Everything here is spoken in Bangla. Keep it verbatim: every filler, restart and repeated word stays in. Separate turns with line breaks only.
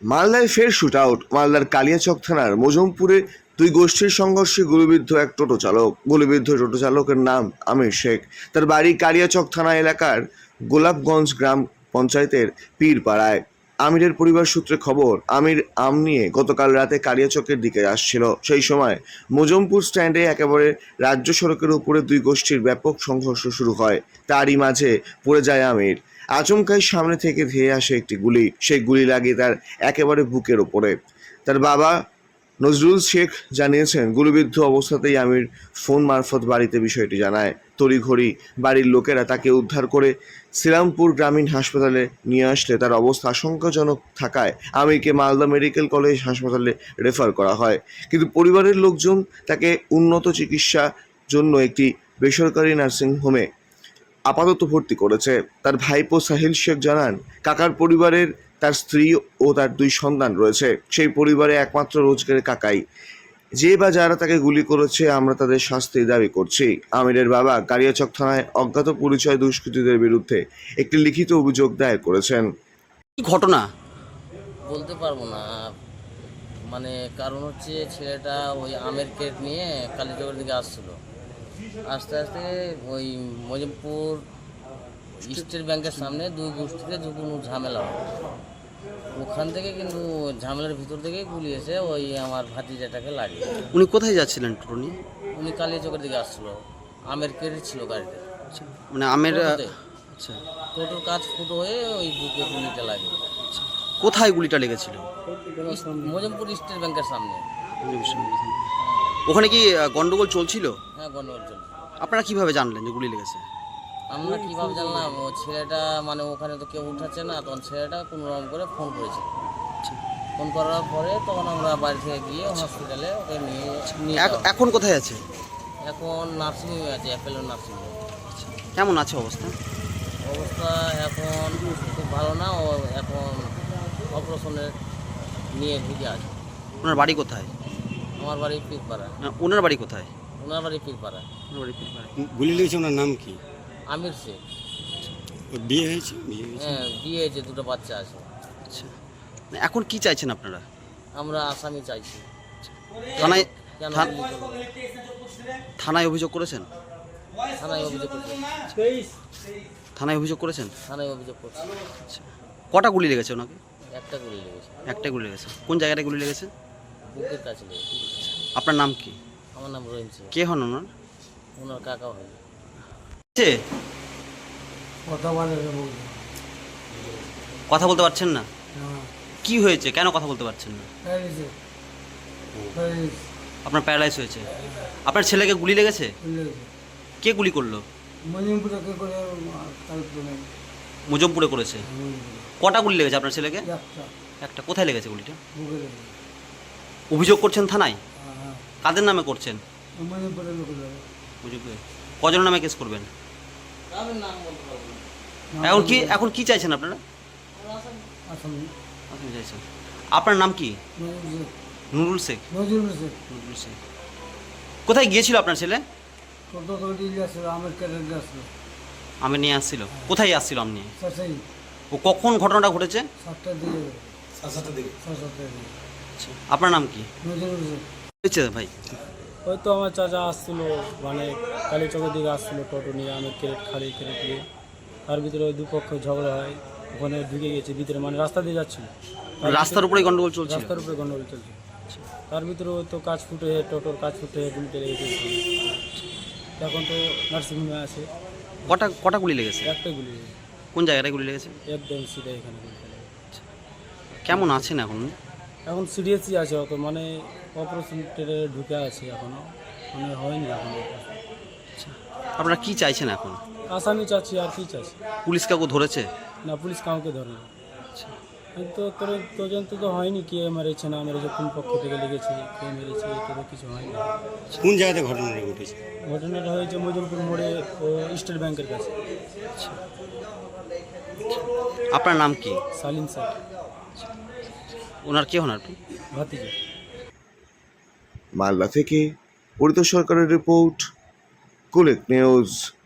মালদায় ফের শুট আউট। মালদার কালিয়াচক থানার মজমপুরে দুই গোষ্ঠীর সংঘর্ষে গুলিবিদ্ধ এক টোটো চালক। গুলিবিদ্ধ টোটো চালকের নাম আমির শেখ। তার বাড়ি কালিয়াচক থানা এলাকার গোলাপগঞ্জ গ্রাম পঞ্চায়েতের পীরপাড়ায়। আমিরের পরিবার সূত্রে খবর, আমির আম নিয়ে গতকাল রাতে কালিয়াচকের দিকে আসছিল। সেই সময় মজমপুর স্ট্যান্ডে একেবারে রাজ্য সড়কের উপরে দুই গোষ্ঠীর ব্যাপক সংঘর্ষ শুরু হয়। তারই মাঝে পড়ে যায় আমির। আচমকাই সামনে থেকে ধেয়ে আসে একটি গুলি। সেই গুলি লাগে তার একেবারে বুকের ওপরে। তার বাবা নজরুল শেখ জানিয়েছেন, গুলিবিদ্ধ অবস্থাতেই আমির ফোন মারফত বাড়িতে বিষয়টি জানায়। তড়িঘড়ি বাড়ির লোকেরা তাকে উদ্ধার করে শ্রীরামপুর গ্রামীণ হাসপাতালে নিয়ে আসলে তার অবস্থা আশঙ্কাজনক থাকায় আমিরকে মালদা মেডিকেল কলেজ হাসপাতালে রেফার করা হয়। কিন্তু পরিবারের লোকজন তাকে উন্নত চিকিৎসার জন্য একটি বেসরকারি নার্সিংহোমে আপাতত ভর্তি করেছে। তার ভাইপো সাহিল শেখ জানান, কাকার পরিবারের তার স্ত্রী ও তার দুই সন্তান রয়েছে। সেই পরিবারে একমাত্র রোজগারের কাকাই। যে বা যারা তাকে গুলি করেছে, আমরা তাদের শাস্তির দাবি করছি। আমিরের বাবা কালিয়াচক থানায় অজ্ঞাত পরিচয় দুষ্কৃতীদের বিরুদ্ধে একটি লিখিত অভিযোগ দায়ের করেছেন।
কি ঘটনা
বলতে পারবো না, মানে কারণ হচ্ছে ছেলেটা ওই আমের কেট নিয়ে কালীচকের দিকে আসছিল। আস্তে আস্তে ওই মজিমপুর স্টেট ব্যাংকের সামনে দুই গোষ্ঠীতে যে কোনো ঝামেলা হয়, ওখান থেকে কিন্তু ঝামেলার ভিতর থেকেই গুলি এসে ওই আমার ভাতিজাটাকে লাগে।
উনি কোথায় যাচ্ছিলেন টোটো নিয়ে?
উনি কালীচকের দিকে আসছিল, আমের কেট ছিল গাড়িতে।
আচ্ছা, মানে আমের
টোটোতে।
আচ্ছা,
টোটোর কাজ ফুটো হয়ে ওই বুকে গুলিটা লাগে।
কোথায় গুলিটা লেগেছিল?
মজিমপুর স্টেট ব্যাংকের সামনে।
ওখানে কি আহ, গন্ডগোল চলছিল?
হ্যাঁ, গন্ডগোল চলছে।
আপনারা কিভাবে জানলেন যে গুলি লেগেছে?
আমরা কীভাবে জানলাম, ও ছেলেটা মানে ওখানে তো কেউ উঠাচ্ছে না, তখন ছেলেটা কোনো রকম করে ফোন করেছে। ফোন করার পরে তখন আমরা বাড়ি থেকে গিয়ে হসপিটালে ওকে নিয়ে নিয়ে
এখ-
যাওয়া।
এখন কোথায় আছে?
এখন নার্সিংহোমে আছে, অ্যাপেলো নার্সিংহোম।
কেমন আছে অবস্থা?
অবস্থা এখন খুব ভালো না, ও এখন অপারেশনের নিয়ে ঢুকে আছে।
ওনার বাড়ি কোথায়?
আমার বাড়ি পীরপাড়া।
না, ওনার বাড়ি কোথায়?
ওনার বাড়ি পীরপাড়া।
ওনার বাড়ি পীরপাড়ায়।
গুলি লেগেছে, ওনার নাম কি?
আমির শেখ।
ওর বিয়ে হয়েছে? বিয়ে হয়েছে।
হ্যাঁ, বিয়ে হয়েছে, দুটো বাচ্চা আছে।
আচ্ছা, না, এখন কি চাইছেন আপনারা?
আমরা আসামি চাইছি।
থানায়
কেন
থান-
গুলি করলো?
থানায় অভিযোগ করেছেন?
থানায় অভিযোগ করছি।
থানায় অভিযোগ করেছেন?
থানায় অভিযোগ করছি।
আচ্ছা, কটা গুলি লেগেছে ওনাকে?
একটা গুলি লেগেছে,
একটাই গুলি লেগেছে। কোন জায়গাটায় গুলি লেগেছে?
বুকের কাছে লেগেছে।
আপনার নাম কি?
আমার নাম রহিম সিং।
কে হন ওনার?
ওনার কাকা হয়।
ছে?
কথা বলে না, বলছে
কথা বলতে পারছেন না?
না,
কি হয়েছে, কেন কথা বলতে পারছেন না?
প্যারিসে প্যারিস
আপনার প্যারালাইজ হয়েছে। আপনার ছেলেকে গুলি লেগেছে?
লেগেছে।
কে গুলি করলো?
মজিমপুরে কে করে কালপুরে
মুজমপুরে করেছে। কটা গুলি লেগেছে আপনার ছেলেকে?
একটা
একটা। কোথায় লেগেছে গুলিটা?
বুকে লেগেছে।
অভিযোগ করছেন থানায়?
হ্যাঁ হ্যাঁ,
কাদের নামে করছেন?
মজিমপুরে লোক যাবে।
মুজিবপুরে কজনের নামে কেস করবেন?
কারোর নাম বলতে পারবো না।
এখন কি এখন কি চাইছেন আপনারা?
আসামি
আপনি চাইছেন। আপনার নাম কি?
নজরুল
নুরুল শেখ।
নজরুল শেখ।
নুরুল শেখ। কোথায় গিয়েছিল আপনার ছেলে?
টোটো করে দিয়ে আসলো, আমের কেটে দিয়ে আসলো।
আমি নিয়ে আসছিল। কোথায় আসছিল আপনি?
সেই
ও কখন ঘটনাটা ঘটেছে?
সাতটার দিকে, সাড়ে সাতটার দিকে।
আচ্ছা, আপনার নাম কি
নজরুল শেখ।
হয়েছে ভাই?
ওই তো আমার চাচা আসছিল, মানে কালীচকের দিকে আসছিল টোটো নিয়ে, আমি ক্রেট খালি ক্রেট নিয়ে। তার ভিতরে ওই দুপক্ষ ঝগড়া হয়, ওখানে ঢুকে গেছে ভিতরে, মানে রাস্তা দিয়ে যাচ্ছিল। তার
রাস্তার উপরে গন্ডগোল চলছিল?
রাস্তার উপরে গন্ডগোল চলছে। তার ভিতরে ওই তো কাজ ফুটে হয়ে টোটোর কাজ ফুটে হয়ে গুলিতে লেগেছে। এখন তো নার্সিংহোমে আছে।
কটা কটা গুলি লেগেছে?
একটাই গুলি লেগেছে,
কোন জায়গাটায় গুলি লেগেছে?
একদম সিধা এখানে গুলিটা লেগেছে।
কেমন আছেন এখন?
এখন সিরিয়াসই আছে, অত মানে অপারেশন টেরে ঢুকে আছে এখনো, মানে হয়নি এখনো।
আপনারা কি চাইছেন এখন?
আসামি চাচ্ছি, আর কি চাচ্ছি?
পুলিশ কাউকে ধরেছে?
না, পুলিশ কাউকে ধরে না। তো তোর তদন্ত তো হয়নি, কে মেরেছে না মেরেছে, কোন পক্ষ থেকে লেগেছে, কে মেরেছে, এটা তো কিছু হয়নি।
কোন জায়গাতে ঘটনাটা ঘটেছে?
ঘটনাটা হয়েছে মজমপুর মোড়ে, ও স্টেট ব্যাংকের কাছে।
আপনার নাম কি?
সালিম স্যার,
ওনার কে হন আপনি?
ভাতিজা।
মালদা থেকে পরিত সরকারের রিপোর্ট, কুলেক নিউজ।